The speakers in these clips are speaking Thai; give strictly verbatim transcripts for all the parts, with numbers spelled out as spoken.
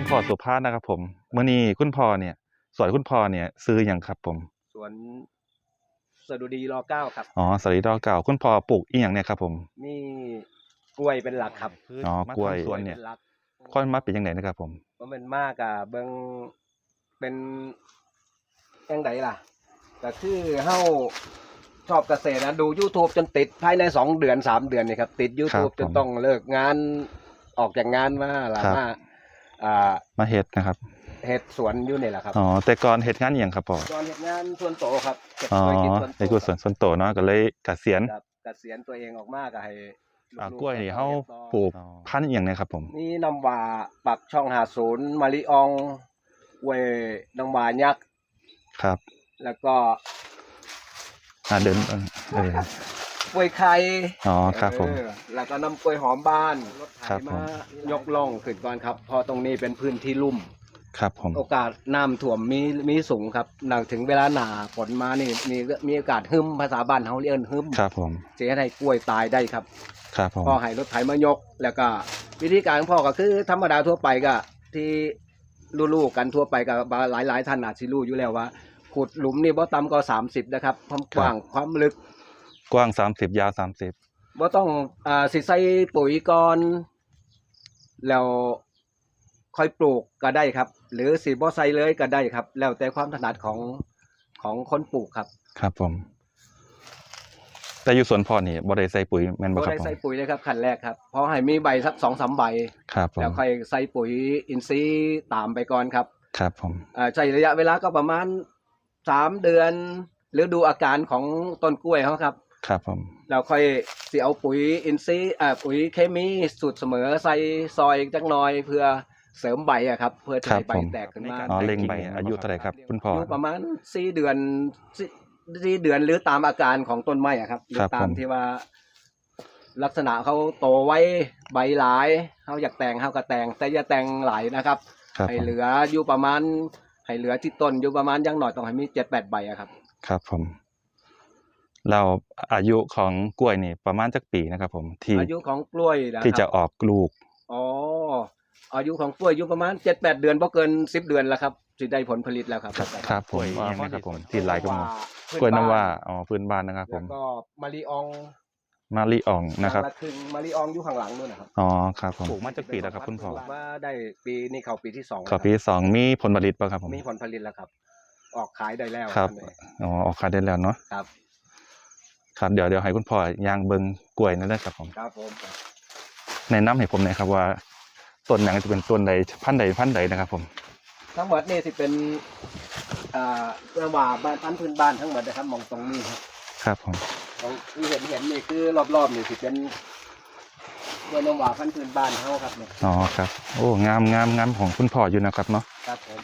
พ่อสุภาพนะครับผมเมื่อนี้คุณพ่อเนี่ยสวนคุณพ่อเนี่ยซื้ออย่างครับผมสวนสดุดีรอเก้าครับอ๋อสวัสดีดอกเก่าคุณพ่อปลูกอีหยังเนี่ยครับผมมีกล้วยเป็นหลักครับอ๋อกล้วยสวนเนี่ยค่อยมาเป็นยังไงนะครับผมเพราะมันมากอะเบิ่งเป็นยังไงล่ะก็คือเฮาชอบเกษตรนะดู YouTube จนติดภายในสองเดือนสามเดือนนี่ครับติด YouTube จนต้องเลิกงานออกจากงานมาล่ะมาอ่ามาเฮ็ดนะครับเฮ็ดสวนอยู่นี่แหละครับอ๋อแต่ก่อนเฮ็ดงานอหยังครับพ่อก่อนเฮ็ดงานส่วนโตครับเก็บกล้วยกินส่วนโตเฮ็ดสวนส่วนโตเนาะก็เลยเกษียณเกษียณตัวเองออกมาก็ให้อ่ากล้วยนี่เฮาปลูกพันธุ์อีหยังเนี่ยครับผมนี่น้ำว่าปักช่องห้าสิบมะลิอองเวยน้ำว่ายักษ์ครับแล้วก็อ่าเดินเออกล้วยไข่อ๋อครับผมแล้วก็น้ำกล้วยหอมบ้านรถไถมายกล่องขึ้นก่อนครับพอตรงนี้เป็นพื้นที่ลุ่มครับผมโอกาสน้ำท่วมมีมีสูงครับหลังถึงเวลาหนาฝนมานี่มีมีโอกาสหึมภาษาบ้านเฮาเรียกหึมครับผมจะให้กล้วยตายได้ครับครับผมพ่อให้รถไถมายกแล้วก็วิธีการของพ่อก็คือธรรมดาทั่วไปก็ที่รู้ๆกันทั่วไปก็หลายๆท่านอาจสิรู้อยู่แล้วว่าขุดหลุมนี่บ่ต่ำกว่าสามสิบนะครับความกว้างความลึกกว้างสามสิบยาวสามสิบบ่ต้องอ่าสิใส่ปุ๋ยก่อนแล้วค่อยปลูกก็ได้ครับหรือสิบ่ใส่เลยก็ได้ครับแล้วแต่ความถนัดของของคนปลูกครับครับผมแต่อยู่สวนพ่อนี่บ่ได้ใส่ปุ๋ยแม่นบ่ครับผมบ่ได้ใส่ปุ๋ยเลยครับขั้นแรกครับพอให้มีใบสัก สองสาม ใบครับผมแล้วค่อยใส่ปุ๋ยอินทรีย์ตามไปก่อนครับครับผมอ่าใช้ระยะเวลาก็ประมาณสามเดือนหรือดูอาการของต้นกล้วยเฮาครับครับผมแล้วค่อยสิเอาปุ๋ยอินทรีย์อ่าปุ๋ยเคมีสูตรเสมอใส่ซอยจักหน่อยเพื่อเสริมใบอะครับเพื่อจะให้ใบแตกขึ้นมาอ๋อเล็งใบอายุเท่าไหร่ครับคุณพ่อประมาณสี่เดือนสี่เดือนหรือตามอาการของต้นไม้อะครับหรือตามที่ว่าลักษณะเขาโตไว้ใบหลายเขาอยากแต่งเขาก็แต่งแต่อย่าแต่งหลายนะครับให้เหลืออยู่ประมาณให้เหลือที่ต้นอยู่ประมาณยังหน่อยต้องให้มีเจ็ดแปดใบอะครับครับผมเราอายุของกล้วยนี่ประมาณจักปีนะครับผมที่อายุของกล้วยที่จะออกลูกอ๋ออายุของกล้วยอยู่ประมาณเจ็ดแปดเดือนบ่เกินสิบเดือนแล้วครับสิได้ผลผลิตแล้วครับครับผมว่านะครับผมที่หลายก็กล้วยน้ำว่าอ๋อพื้นบ้านนะครับผมแล้วก็มะลิอองมะลิอ่องนะครับถึงมะลิอองอยู่ข้างหลังนู่นนะครับอ๋อครับผมปลูกมาจากปีแล้วครับคุณพ่อว่าได้ปีนี้เข้าปีที่สองเข้าปีที่สองมีผลผลิตป่ะครับผมมีผลผลิตแล้วครับออกขายได้แล้วครับอ๋อออกขายได้แล้วเนาะครับครับเดี๋ยวเดี๋ยวให้คุณพ่อย่างเบิ่งกล้วยนั่นแหละครับผมครับผมแนะนำให้ผมหน่อยครับว่าต้นไหนจะเป็นต้นใดพันธุ์ใดพันธุ์ใดนะครับผมทั้งหมดนี่สิเป็นอ่าเระหว่างบ้านพันธุ์พื้นบ้านทั้งหมดนะครับมองตรงนี้ครับครับผมตรงที่เห็นเห็นนี่คือรอบๆนี่สิเป็นกล้วยน้ำว้าพันธุ์พื้นบ้านเฮาครับเนี่ยอ๋อครับโอ้งามงามงามของคุณพ่ออยู่นะครับเนาะครับผม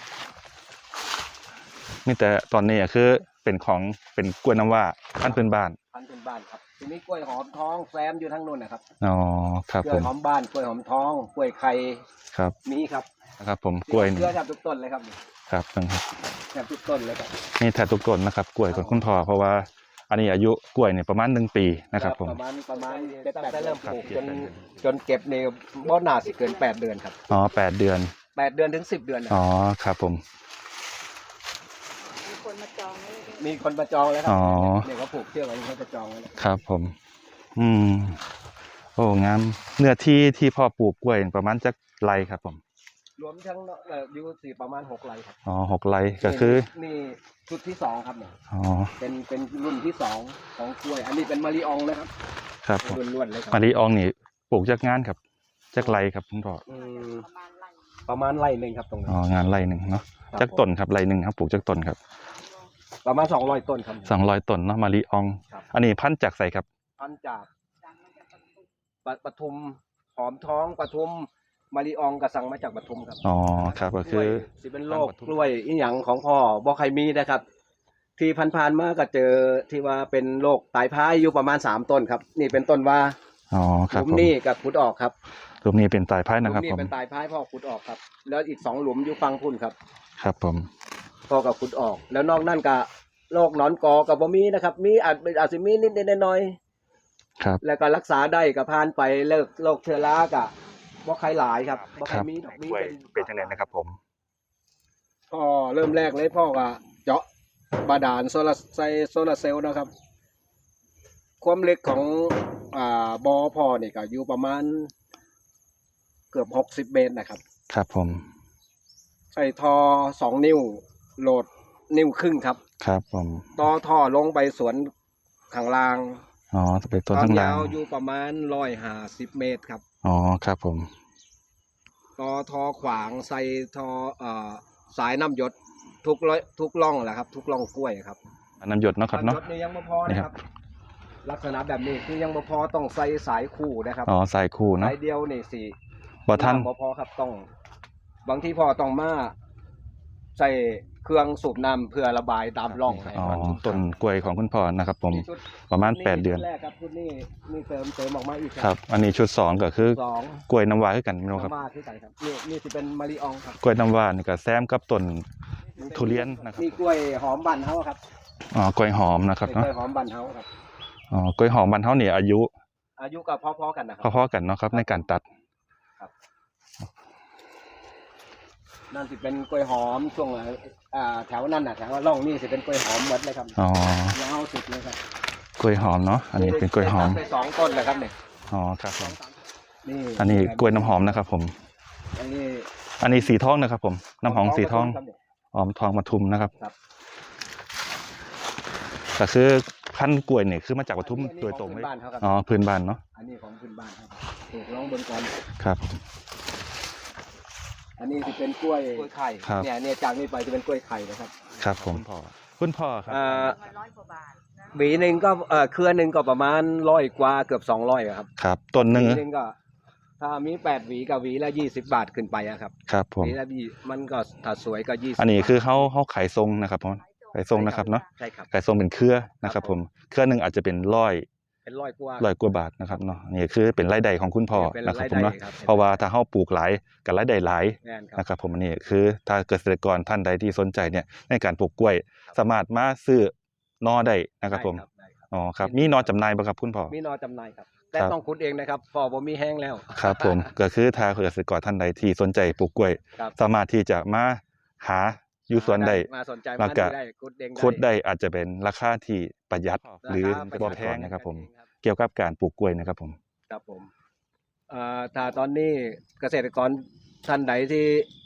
มีแต่ตอนนี้คือเป็นของเป็นกล้วยน้ำว้าพันธุ์พื้นบ้านพันธุ์พื้นบ้านครับทีนี้กล้วยหอมท้องแซมอยู่ทั้งนู้นนะครับอ๋อครับผมกล้วยหอมบ้านกล้วยหอมท้องกล้วยไข่ครับมีครับนะครับผมกล้วยนี่เชื่อแทบทุกต้นเลยครับครับครับแทบทุกต้นเลยครับนี่แทบทุกต้นนะครับกล้วยของคุณพ่อเพราะว่าอันนี้อายุกล้วยเนี่ยประมาณหนึ่งปีนะครับผมประมาณประมาณแต่เริ่มปลูกจนจนเก็บในบ่อนาสิเกินแปดเดือนครับอ๋อแปดเดือนแปดเดือนถึงสิบเดือนอ๋อครับผมมีคนมาจองมีคนมาจองแล้วครับเนี่ยเขาปลูกเชือกไว้เขาจะจองแล้วครับผมอืมโอ้งามเนื้อที่ที่พ่อปลูกกล้วยประมาณจักไร่ครับผมรวมทั้งอยู่สี่ประมาณหกไร่ครับอ๋อหกไร่ก็คือนี่ชุดที่สองครับเนี่ยอ๋อเป็นเป็นรุ่นที่สองของกล้วยอันนี้เป็นมะลิอองเลยครับครับล้วนๆเลยครับมะลิอองนี่ปลูกจากงานครับจากไร่ครับคุณพ่อประมาณไร่หนึ่งครับตรงนี้อ๋องานไร่หนึ่งเนาะจากต้นครับไร่หนึ่งครับปลูกจากต้นครับประมาณสองร้อยต้นครับสองร้อยต้นเนาะมะลิอองอันนี้พันธุ์จากใส่ครับพันธุ์จากปทุมหอมท้องปทุมมะลิอองกระสังมาจากปทุมครับอ๋อครับก็คือสิเป็นโรคกล้วยอีหยังของพ่อบ่ใครมีนะครับที่ผ่านๆมาก็เจอที่ว่าเป็นโรคตายพายอยู่ประมาณสามต้นครับนี่เป็นต้นว่าอ๋อครับหลุมนี้กับขุดออกครับหลุมนี้เป็นตายพายนะครับผมหลุมนี้เป็นตายพายพ่อขุดออกครับแล้วอีกสองหลุมอยู่ฟังพุ่นครับครับผมพ่อกับขุดออกแล้วนอกนั่นก็โรคหนอนกอกับบ่มีนะครับมีอาจอาจจะมีนิดๆหน่อยๆครับแล้วก็รักษาได้กับผ่านไปเลิกโรคเชื้อราก็บ่ใครหลายครับบ่คใครรับมีดอกมีกล้วยเป็นเป็นจังไดนะครับผมพ่อเริ่มแรกเลยพ่อก็เจาะบาดาลโซลาร์ไซโซลาร์เซลล์นะครับ ความลึกของอ่าบ่อพ่อนี่ก็อยู่ประมาณเกือบหกสิบเมตรนะครับครับผมใส่ท่อสองนิ้วโหลดนิ้วครึ่งครับครับผมต่อท่อลงไปสวนข้างล่างอ๋อจะเป็นตัวควาทั้มงล่ายาง วอยู่ประมาณร้อยห้าสิบเมตรครับอ๋อครับผมต่อท่อขวางใส่ท่อเอ่อสายน้ำหยดทุกร้อยทุกร่องแหละครับ ทุกร่องกล้วยครับอันน้ำหยดเนาะครับน้ำหเนาะยดนี่ยังไม่พอนี่นะคครัรับ บ ลักษณะแบบนี้คือยังไม่พอต้องใส่สายคู่นะครับอ๋อสายคู่เนาะสายเดียวนี่สิบ่ทันบ่พอครับต้อง บางทีพอต้องมาใส่เครื่องสูบน้ำเพื่อระบายตามร่องให้อ๋อมันต้นกล้วยของคุณพ่อนะครับผมนี่ชุดประมาณแปดเดือนชุแรกครับชุดนี้มีเติมเติมออกมาอีกครับ อันนี้ชุดสองก็คือสองกล้วยน้ำว้าคือกันเนาะครับน้ำว่าที่ใส่ครับนี่นี่จะเป็นมะลิอองครับกล้วยน้ำว้านี่ก็แซมกับต้น ทุเรียนนะครับนี่กล้วยหอมบันเฮาครับอ๋อกล้วยหอมนะครับกเนาะล้วยหอมบันเฮาครับอ๋อกล้วยหอมบ้านเฮานี่อายุอายุก็พอๆกันนะครับพอๆกันเนาะครับในการตัดนั่นสิเป็นกล้วยหอมช่วงอ่าแถวนั่นน่ะแถวร่องนี่สิเป็นกล้วยหอมหมดเลยครับอ๋อยาวสุดเลยครับกล้วยหอมเนาะอันนี้เป็นกล้วยหอมไปสองต้นเลยครับเนี่ยอ๋อครับผมนี่อันนี้กล้วยน้ำหอมนะครับผมอันนี้อันนี้สีทองนะครับผมน้ำหอมสีทองครับเนี่ยหอมทองปทุมนะครับครับแต่คือพันธุ์กล้วยเนี่ยคือมาจากปทุมโดยตรงเลเลย ยบ้านเขาครับอ๋อพื้นบ้านเนาะอันนี้ของพื้นบ้านครับปลูกลองบนก่อนครับอันนี้จะเป็นกล้วยกล้วยไข่ครับเนี่ยเนี่ยจากนี้ไปจะเป็นกล้วยไข่นะครับครับผมพ่อคุณพ่อครับอ่าร้อยกว่าบาทนะหวีหนึ่งก็เอ่อเครือหนึ่งก็ประมาณร้อยกว่าเกือบสองร้อยครับครับต้นหหนึ่งวีหนึ่งก็ ถ้ามีแปดหวีกับหวีละยี่สิบบาทขึ้นไปอะครับครับผมหวีละยี่มันก็ถ้าสวยก็ยี่สิบอันนี้คือเขาเขาขายทรงนะครับผมขายทรงนะครับเนาะใช่ครับขายทรงเป็นเครือนะครับผมเครือหนึ่งอาจจะเป็นร้อยเป็นร้อยกว่าร้อยกว่าบาทนะครับเนาะนี่คือเป็นรายได้ของคุณพ่อเป็นนะครับรายผมได้เนาะครับเพราะว่าถ้าเขาปลูกหลายกับรายได้หลายแน่นครับนะครับผมอันนี้คือถ้าเกษตรกรท่านใดที่สนใจเนี่ยในการปลูกกล้วย สามารถมาซื้อนอได้นะครับผมได้ได้ครับอ๋อครับมีนอจำหน่ายบ่ครับคุณพ่อมีนอจำหน่ายครับ แต่ครับต้องขุดเองนะครับพอผมมีแห้งแล้วครับผมก็คือถ้าเกษตรกรท่านใดที่สนใจปลูกกล้วยครับสามารถที่จะมาหาอยู่สวนได้มาสนใจแล้มาวก็ดูได้ขุดเองคุดได้อาจจะเป็นราคาที่ประหยัดราคาหรือประบ่หยัดแพงนะครับผมเองครับเกี่ยวกับการปลูกกล้วยนะครับผมครับผมเอ่อถ้าตอนนี้เกษตรกรท่านใดที่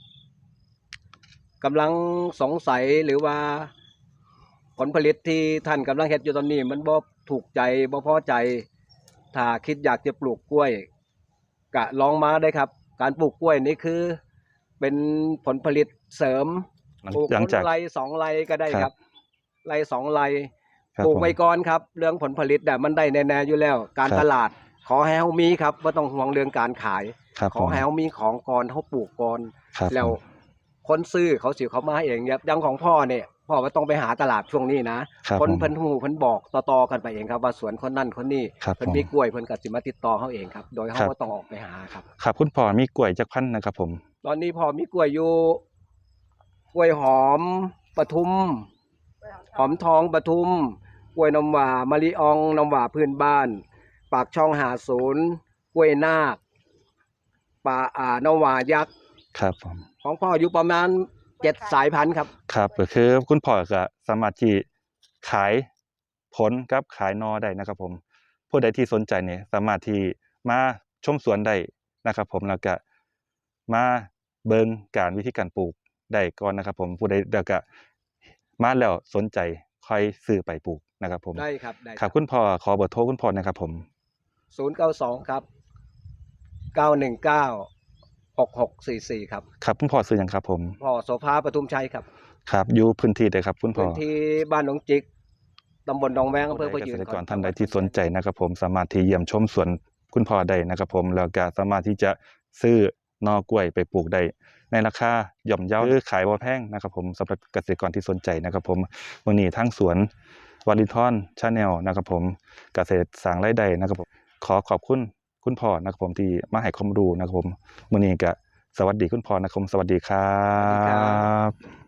กำลังสงสัยหรือว่าผลผลิตที่ท่านกำลังเฮ็ดอยู่ตอนนี้ มันบ่ถูกใจบ่พอใจ ถ้าคิดอยากจะปลูกกล้วยกะลองมาได้ครับ การปลูกกล้วยนี่คือ เป็นผลผลิตเสริมหลังปลูกหลังจากคนไรสองไรก็ได้ครับครับไรสองไรครับปลูกผมไว้ก่อนครับ เรื่องผลผลิตเนี่ยมันได้แน่ๆอยู่แล้ว การครับตลาด ขอให้เฮามีครับว่าต้องห่วงเรื่องการขายครับขผอมให้เฮามีของก่อนเฮาปลูกก่อนครับแล้วผมคนซื้อเขาสิเขามาเองครับอยังของพ่อเนี่ยพ่อว่าต้องไปหาตลาดช่วงนี้นะครับ คนผมเพิ่นฮู้เพิ่นบอกต่อๆกันไปเองครับว่าสวนคนนั่นคนนี้ครับเพิ่นผมมีกล้วยเพิ่นก็สิมาติดต่อเฮาเองครับ โดยเฮาครับบ่ต้องออกไปหาครับครับคุณพ่อมีกล้วยจักพันธุ์นะครับผมตอนนี้พ่อมีกล้วยอยู่กล้วยหอมปทุม หอมทองปทุมกล้วยน้ำหว่ามะลิอองน้ำหว่าพื้นบ้าน ปากช่องหาศูนย์กล้วยนาคป่าอ่าน้ำหว่ายักษ์ครับผมของพ่ออยู่ประมาณเจ็ดสายพันธุ์ครับครับก็คือคุณพ่อก็สามารถที่ขายผลกับขายนอได้นะครับผมผู้ใดที่สนใจเนี่ยสามารถที่มาชมสวนได้นะครับผมแล้วก็มาเบิ่งการวิธีการปลูกได้ก่อนนะครับผมผู้ใดแล้วก็มาแล้วสนใจค่อยซื้อไปปลูกนะครับผมได้ครับได้ครับคุณพ่อขอเบอร์โทรคุณพ่อนะครับผมศูนย์เก้าสองครับเก้าหนึ่งเก้าหกหกสี่สี่ครับครับคุณพ่อซื้อหยังครับผมพ่อโสภาปทุมชัยครับครับอยู่พื้นที่ใดครับคุณพ่อพื้นที่บ้านหนองจิกตำบลหนองแวงอำเภอเกพะยืษนตรกรท่านใดที่สนใจนะครับผมสามารถที่เยี่ยมชมสวนคุณพ่อได้นะครับผมแล้วก็สามารถที่จะซื้อนอกล้วยไปปลูกได้ในราคาย่อมเยาหรือขายบ่แพงนะครับผมสำหรับเกษตรกรที่สนใจนะครับผมมื้อนี้ทั้งสวนวารินทอนชาแนลนะครับผมเกษตรสร้างรายได้นะครับผมขอขอบคุณคุณพ่อนะครับผมที่มาให้ความรู้นะครับผมมื้อนี้ก็สวัสดีคุณพ่อนะครับผมสวัสดีครัสวัสดีครับบ